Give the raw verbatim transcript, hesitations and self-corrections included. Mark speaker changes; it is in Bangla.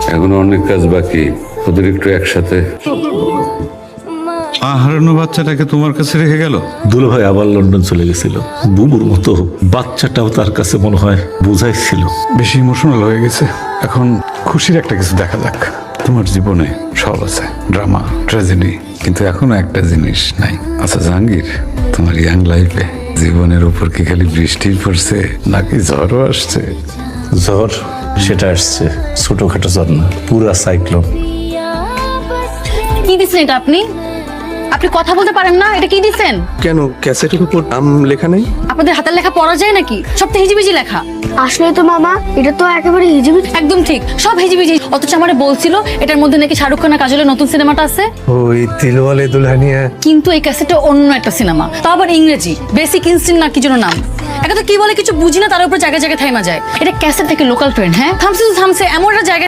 Speaker 1: এখনো অনেক কাজ বাকি, ওদের একটু একসাথে।
Speaker 2: হারানো বাচ্চাটাকে তোমার কাছে রেখে গেল?
Speaker 3: দুলো ভাই আবার লন্ডন চলে গেছিল, বুবুর মতো বাচ্চাটাও তার কাছে মনে হয় বুঝাইছিল।
Speaker 2: বেশি ইমোশনাল হয়ে গেছে। এখন খুশির একটা কিছু দেখা যাক। তোমার জীবনে সব আছে, ড্রামা, ট্র্যাজেডি, কিন্তু এখনো একটা জিনিস নাই। আচ্ছা জাহাঙ্গীর, তোমার ইয়াং লাইফে জীবনের উপর কি খালি বৃষ্টি পড়ছে নাকি ঝড়ও আসছে?
Speaker 3: ঝড় সেটা আসছে, ছোটখাটো ঝড় না, পুরা সাইক্লোন।
Speaker 4: কি দিচ্ছেন এটা আপনি? আপনি কথা বলতে পারেন না? এটা কি দিচ্ছেন?
Speaker 5: কেন ক্যাসেটের উপর নাম লেখা নেই?
Speaker 4: আপনাদের হাতের লেখা পড়া যায় নাকি? সব তো হিজিবিজি লেখা।
Speaker 6: আসলে তো মামা এটা তো একেবারে হিজিবিজি।
Speaker 4: একদম ঠিক, সব হিজিবিজি। অথচ আমারে বলছিল এটার মধ্যে নাকি শাহরুখ খান আর কাজলের নতুন সিনেমাটা আছে।
Speaker 5: ওই দিলওয়ালে দুলহানিয়া।
Speaker 4: কিন্তু এই ক্যাসেটটা অন্য একটা সিনেমা, তাও আবার ইংরেজি, বেসিক ইনস্টিংক্ট না কি যেন নাম। একা তো কি বলে কিছু বুঝি না, তার উপর জায়গায় জায়গায় থাইমা যায়। এটা ক্যাসেট থেকে লোকাল ট্রেন। হ্যাঁ থামছে তো থামছে, এমন একটা জায়গায়